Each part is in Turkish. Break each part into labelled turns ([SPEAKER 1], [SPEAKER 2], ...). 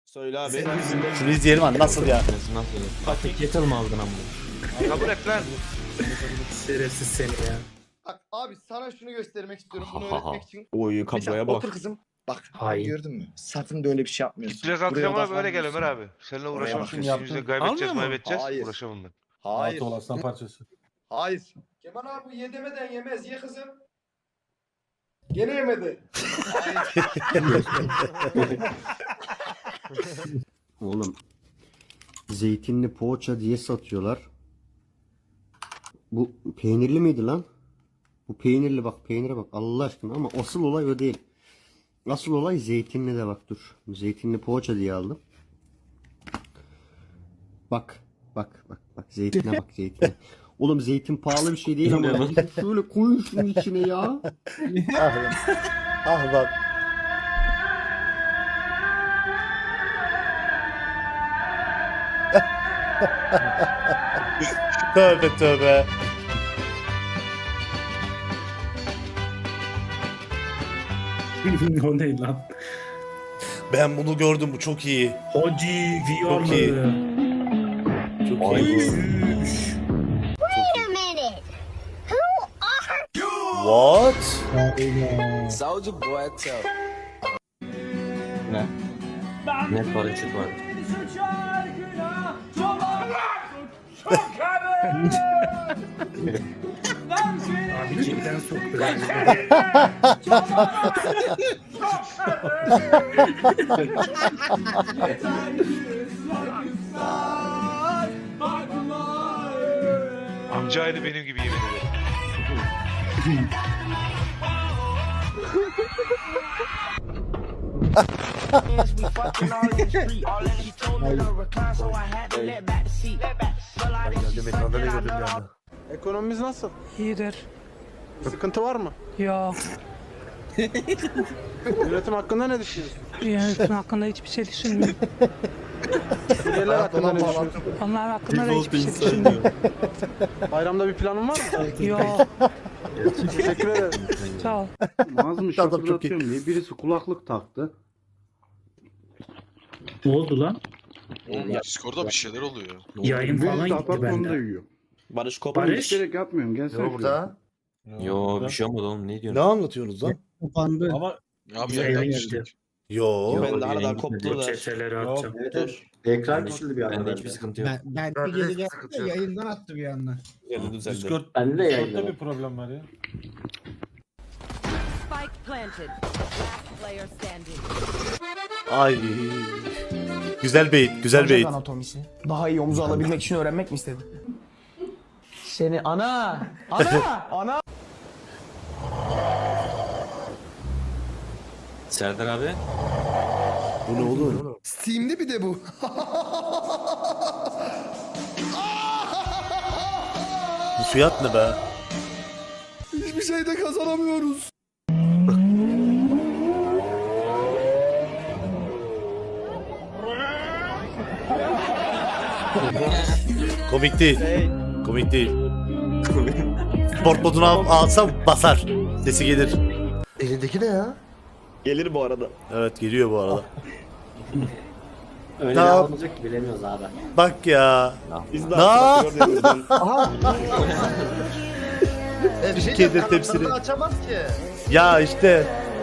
[SPEAKER 1] Söyle abi.
[SPEAKER 2] Şunu izleyelim abi nasıl ya?
[SPEAKER 3] Nasıl? Kettle mı aldın amma?
[SPEAKER 4] Kabul et lan.
[SPEAKER 3] Şerefsiz seni ya.
[SPEAKER 5] Bak abi sana şunu göstermek istiyorum bunu öğretmek için.
[SPEAKER 1] Oy
[SPEAKER 5] Mesela
[SPEAKER 1] kabloya bak.
[SPEAKER 5] otur kızım. Bak
[SPEAKER 3] Hayır.
[SPEAKER 5] gördün mü? Sakın da öyle bir şey yapmıyorsun.
[SPEAKER 4] Biraz
[SPEAKER 5] Buraya
[SPEAKER 4] antrenmana böyle gel
[SPEAKER 5] odaklanmıyorsun.
[SPEAKER 4] Ömer abi. Seninle uğraşamam.
[SPEAKER 5] bakıyorsun,
[SPEAKER 4] Şimdi
[SPEAKER 2] yaptın.
[SPEAKER 4] yüzde kaybedeceğiz
[SPEAKER 1] Almıyor mu?
[SPEAKER 4] maybedeceğiz.
[SPEAKER 5] Hayır.
[SPEAKER 4] Uğraşamam ben.
[SPEAKER 5] Hayır.
[SPEAKER 2] Aslan parçası.
[SPEAKER 5] Hayır. Kemal abi ye demeden yemez. Ye kızım. Gene yemedi.
[SPEAKER 6] Oğlum zeytinli poğaça diye satıyorlar. Bu peynirli miydi lan? Bu peynirli, bak peynire bak Allah aşkına, ama asıl olay o değil. Asıl olay zeytinli de, bak dur. Zeytinli poğaça diye aldım. Bak zeytine bak zeytine. Oğlum zeytin pahalı bir şey değil ama şöyle koyun şunun içine ya.
[SPEAKER 2] Ah bak. Tövbe tövbe.
[SPEAKER 3] O ne lan?
[SPEAKER 2] Ben bunu gördüm, bu çok iyi.
[SPEAKER 3] Hoci,
[SPEAKER 2] Çok iyi.
[SPEAKER 3] Viyalı.
[SPEAKER 2] Çok iyi. What?
[SPEAKER 1] Soldier boy tell.
[SPEAKER 3] Net paraşüt var. Abi cidden soktu.
[SPEAKER 4] Amca aynı benim gibi yemin ederim.
[SPEAKER 7] Ekonomimiz nasıl?
[SPEAKER 8] İyidir.
[SPEAKER 7] Sıkıntı var mı?
[SPEAKER 8] Yok.
[SPEAKER 7] Yönetim hakkında ne düşünüyorsun?
[SPEAKER 8] Yönetim hakkında hiçbir şey düşünmüyorum.
[SPEAKER 7] Suriyeliler hakkında ne düşünüyorsun?
[SPEAKER 8] Onlar hakkında da hiçbir şey düşünmüyorum.
[SPEAKER 7] Bayramda bir planın var mı?
[SPEAKER 8] Yok.
[SPEAKER 7] Teşekkür ederim.
[SPEAKER 8] Sağ ol.
[SPEAKER 6] Ağzımı
[SPEAKER 2] Adam çok iyi.
[SPEAKER 6] şapırdatıyorum diye birisi kulaklık taktı.
[SPEAKER 3] Ne oldu lan?
[SPEAKER 9] Discord'da bir şeyler oluyor.
[SPEAKER 3] Yayın falan
[SPEAKER 6] Birisi
[SPEAKER 3] gitti
[SPEAKER 6] apartmanda
[SPEAKER 3] bende.
[SPEAKER 6] yiyor.
[SPEAKER 1] Barış kopmuş.
[SPEAKER 3] Barış.
[SPEAKER 6] Gerek yapmıyorum, gelsene şuraya.
[SPEAKER 3] Yo bir şey olmadı oğlum, ne diyorsun?
[SPEAKER 2] Ne anlatıyorsunuz lan?
[SPEAKER 6] Ama
[SPEAKER 9] Abi
[SPEAKER 3] Yayına
[SPEAKER 9] yayından
[SPEAKER 3] geldi.
[SPEAKER 9] düştük.
[SPEAKER 2] Yo.
[SPEAKER 1] Ben de aradan
[SPEAKER 3] yayın
[SPEAKER 1] koptu
[SPEAKER 3] gitmedi.
[SPEAKER 1] da.
[SPEAKER 3] Çeteleri atacağım.
[SPEAKER 6] ekran küçüldü bir
[SPEAKER 3] Bende
[SPEAKER 6] anda.
[SPEAKER 3] hiçbir sıkıntı yok.
[SPEAKER 10] Ben bir geri geldim de yayından attı bir anda.
[SPEAKER 1] Yeri düzeldi.
[SPEAKER 2] Discord.
[SPEAKER 6] Bende de yayında var.
[SPEAKER 2] problem var ya.
[SPEAKER 11] Spike planted. Last player standing.
[SPEAKER 2] Ay. Güzel beyit, güzel beyit.
[SPEAKER 10] Anatomisi. Daha iyi omuzu alabilmek için öğrenmek mi istedin? Seni ana! Ana!
[SPEAKER 3] Serdar abi.
[SPEAKER 2] Bu ne oğlum?
[SPEAKER 5] Steam'de bir de bu.
[SPEAKER 2] Bu fiyat ne be?
[SPEAKER 5] Hiçbir şeyde kazanamıyoruz.
[SPEAKER 2] Komik değil. Komik değil. Sport modunu alsam basar. Sesi gelir.
[SPEAKER 5] Elindeki ne ya?
[SPEAKER 1] Gelir bu arada.
[SPEAKER 2] Evet geliyor bu arada.
[SPEAKER 6] Öyle
[SPEAKER 2] Tamam.
[SPEAKER 6] alınacak ki bilemiyoruz abi.
[SPEAKER 2] Bak ya.
[SPEAKER 1] Biz de
[SPEAKER 2] Ne?
[SPEAKER 1] artık gördüğümüzden.
[SPEAKER 2] Türkiye'de tepsili.
[SPEAKER 5] Açamaz ki.
[SPEAKER 2] Ya işte.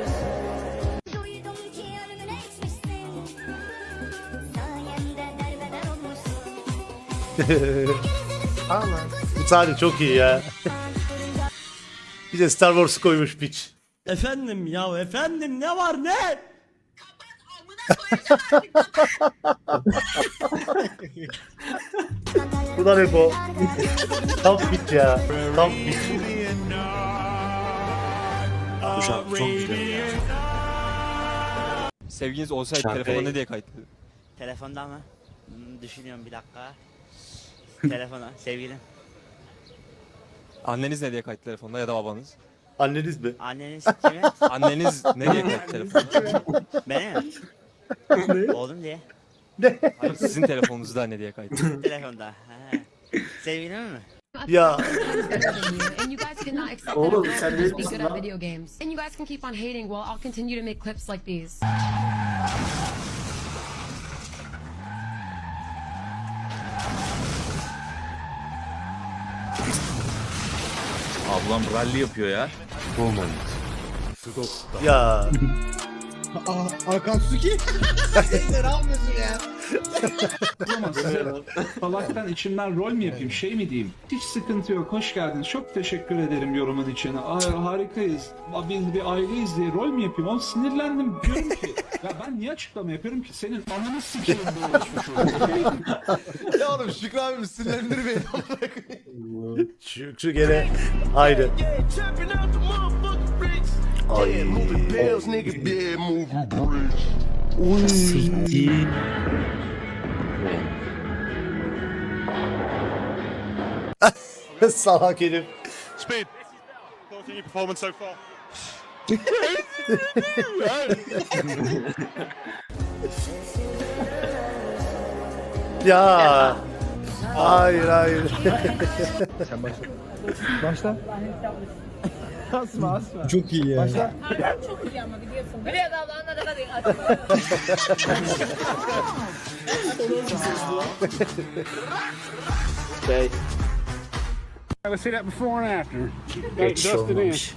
[SPEAKER 2] Bu sahne çok iyi ya. Bir de Star Wars koymuş piç.
[SPEAKER 10] Efendim ya efendim ne var ne?
[SPEAKER 2] Bu da ne bu? Tam piç ya. Tam piç.
[SPEAKER 3] Bu şarkı çok güzel.
[SPEAKER 1] Sevginiz olsaydı
[SPEAKER 3] Şarkı-
[SPEAKER 1] telefona ne diye kayıtlı?
[SPEAKER 10] Telefonda mı? Düşünüyorum bir dakika. Telefona sevgilim.
[SPEAKER 1] Anneniz ne diye kayıtlı telefonda ya da babanız?
[SPEAKER 2] Anneniz mi?
[SPEAKER 10] Anneniz kimi?
[SPEAKER 1] Anneniz ne diye kayıtlı telefonda?
[SPEAKER 10] Beni mi? Oğlum diye.
[SPEAKER 1] Hayır, sizin telefonunuzda ne diye kayıtlı?
[SPEAKER 10] Telefonda. Ha. Sevgilim mi?
[SPEAKER 2] Ya.
[SPEAKER 6] Oğlum sen ne diyorsun lan?
[SPEAKER 11] video games. And you guys can keep on hating while I'll continue to make clips like these.
[SPEAKER 3] Ablam rally yapıyor ya.
[SPEAKER 2] Ya.
[SPEAKER 7] Akatsuki. Ne yapıyorsun ya?
[SPEAKER 10] Salaktan içimden rol mü yapayım, şey mi diyeyim? Hiç sıkıntı yok, hoş geldiniz. Çok teşekkür ederim yorumun için. Harikayız. Biz bir aileyiz diye rol mü yapayım? Oğlum sinirlendim. Diyorum ki, ya ben niye açıklama yapıyorum ki? Senin ananı sikeyim böyle oluşmuş olur.
[SPEAKER 7] Ya oğlum Şükrü abim sinirlendir beni.
[SPEAKER 2] Şu gene aynı. Ay. Salak herif.
[SPEAKER 4] Speed. Thoughts on your performance so far?
[SPEAKER 2] Ya. Hayır hayır.
[SPEAKER 7] Başla. Asma. Çok iyi ya. Başla.
[SPEAKER 11] çok iyi ama biliyorsun. Biliyor da ablanla da hadi.
[SPEAKER 7] Let's see that before and after.
[SPEAKER 3] Geç olmamış.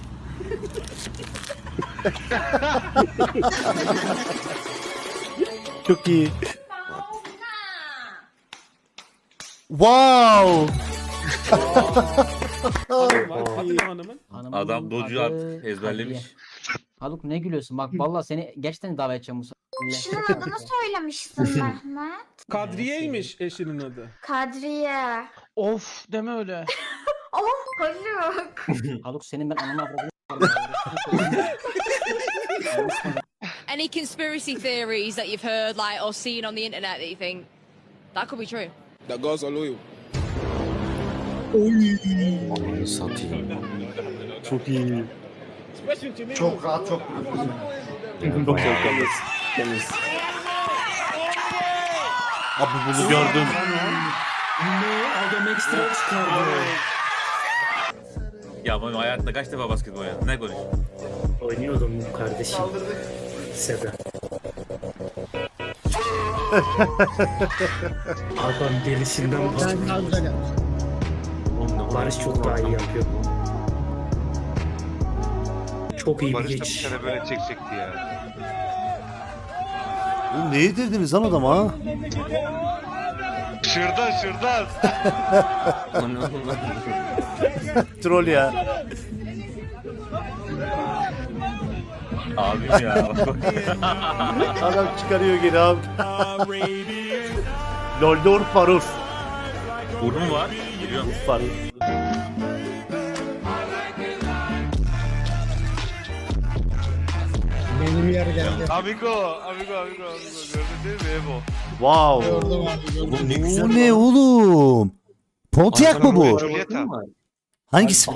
[SPEAKER 2] Çok iyi. Wow.
[SPEAKER 3] Adam docu artık ezberlemiş.
[SPEAKER 10] Haluk ne gülüyorsun? Bak vallahi seni gerçekten davet edeceğim bu
[SPEAKER 11] Şunun adını söylemişsin Mehmet.
[SPEAKER 7] Kadriye'ymiş eşinin adı.
[SPEAKER 11] Kadriye.
[SPEAKER 8] Of deme öyle.
[SPEAKER 11] Oh Haluk.
[SPEAKER 10] Haluk senin ben anama avradını
[SPEAKER 11] Any conspiracy theories that you've heard like or seen on the internet that you think that could be true?
[SPEAKER 7] That girls are loyal.
[SPEAKER 3] Satayım.
[SPEAKER 2] Çok iyi.
[SPEAKER 6] Çok rahat, çok
[SPEAKER 2] Çok temiz. Temiz. Abi bunu gördüm.
[SPEAKER 3] Adam ekstra çıkardı. Ya ben hayatımda kaç defa basketbol oynadım? Ne konuşuyorsun?
[SPEAKER 10] oynuyordum kardeşim. Seda. Adam delisinden Barış çok daha iyi yapıyor. Çok iyi bir
[SPEAKER 4] Barış da bir
[SPEAKER 10] geçiş.
[SPEAKER 4] sene böyle çekecekti ya.
[SPEAKER 2] Oğlum ne yedirdiniz lan adama?
[SPEAKER 4] Şırdan.
[SPEAKER 2] Troll ya.
[SPEAKER 3] Abim ya.
[SPEAKER 2] Adam çıkarıyor geri abi. Loldor Farur.
[SPEAKER 3] Burnu var. Geliyorum.
[SPEAKER 2] Farur.
[SPEAKER 7] Benim yer geldi.
[SPEAKER 4] Amigo. Gördün değil mi Evo?
[SPEAKER 2] Wow.
[SPEAKER 3] Oğlum ne güzel.
[SPEAKER 2] Bu ne oğlum? Pontiac mı bu?
[SPEAKER 4] Giulietta.
[SPEAKER 2] Hangisi?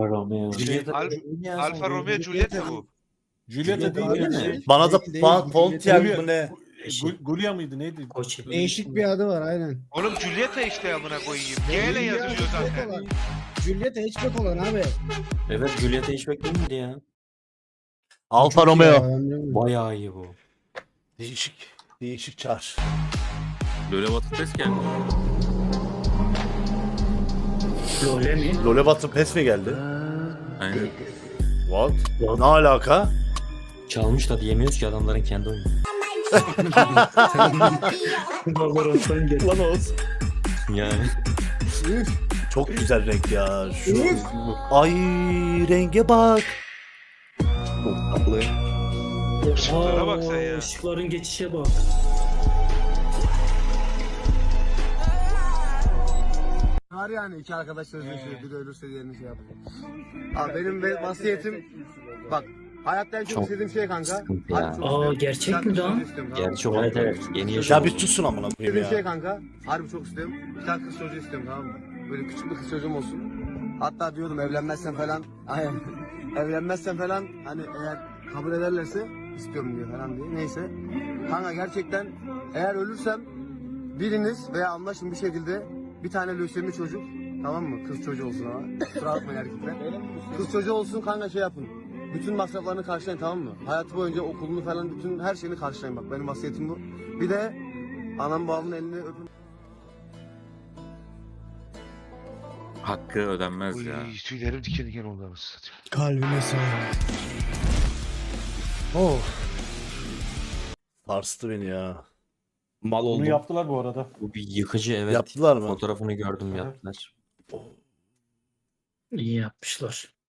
[SPEAKER 4] Alfa Romeo Giulietta bu.
[SPEAKER 7] Julieta değil.
[SPEAKER 2] Bana da Pontiac mı ne?
[SPEAKER 7] Gulya mıydı neydi?
[SPEAKER 10] Değişik
[SPEAKER 7] bir adı var aynen.
[SPEAKER 4] Oğlum Giulietta işte amına koyayım. G ile yazılıyor zaten.
[SPEAKER 7] Julieta hatchback olan abi.
[SPEAKER 3] Evet Juliet'e hiç beklemedi ya.
[SPEAKER 2] Alfa Romeo.
[SPEAKER 3] Bayağı iyi bu.
[SPEAKER 2] Değişik çar.
[SPEAKER 3] Böyle batık ses geldi.
[SPEAKER 10] Lole mi?
[SPEAKER 2] Lole Batı pes mi geldi?
[SPEAKER 3] Aynen.
[SPEAKER 2] What? Ne alaka?
[SPEAKER 3] Çalmış da diyemiyoruz ki adamların kendi oyunu.
[SPEAKER 2] Lan olsun.
[SPEAKER 3] Yani.
[SPEAKER 2] Çok güzel renk ya. Şu. Ay renge bak.
[SPEAKER 4] Işıklara bak sen ya.
[SPEAKER 10] Işıkların geçişe bak.
[SPEAKER 7] Var yani iki arkadaş sözleşiyor. Bir de ölürse diğerini şey yapıyor. Abi benim vasiyetim bak hayatta en çok istediğim şey kanka.
[SPEAKER 3] Sıkıntı ya.
[SPEAKER 10] Gerçek mi lan?
[SPEAKER 3] Gerçi o evet. Yeni
[SPEAKER 2] Ya
[SPEAKER 3] yaşam.
[SPEAKER 2] bir susun amına koyayım
[SPEAKER 7] İstediğim şey
[SPEAKER 2] ya.
[SPEAKER 7] kanka. Harbi çok istiyorum. Bir tane kız çocuğu istiyorum tamam mı? Böyle küçük bir kız çocuğum olsun. Hatta diyordum evlenmezsen falan. Aynen. Evlenmezsen falan hani eğer kabul ederlerse istiyorum diyor falan diye. Neyse. Kanka gerçekten eğer ölürsem biriniz veya anlaşın bir şekilde bir tane lösemi çocuk tamam mı? Kız çocuğu olsun ama. Kusura bakmayın erkekler. Kız çocuğu olsun kanka şey yapın. Bütün masraflarını karşılayın tamam mı? Hayatı boyunca okulunu falan bütün her şeyini karşılayın bak benim vasiyetim bu. Bir de anam babamın elini öpün.
[SPEAKER 3] Hakkı ödenmez
[SPEAKER 4] Uy,
[SPEAKER 3] ya.
[SPEAKER 4] tüylerim diken diken oldu anasını satayım.
[SPEAKER 7] Kalbine sağlık.
[SPEAKER 2] Oh. Sarstı beni ya.
[SPEAKER 3] Mal
[SPEAKER 12] Bunu
[SPEAKER 3] oldum.
[SPEAKER 12] yaptılar bu arada.
[SPEAKER 3] Bu bir yıkıcı, evet.
[SPEAKER 2] Yaptılar mı?
[SPEAKER 3] Fotoğrafını gördüm, yaptılar.
[SPEAKER 12] İyi yapmışlar.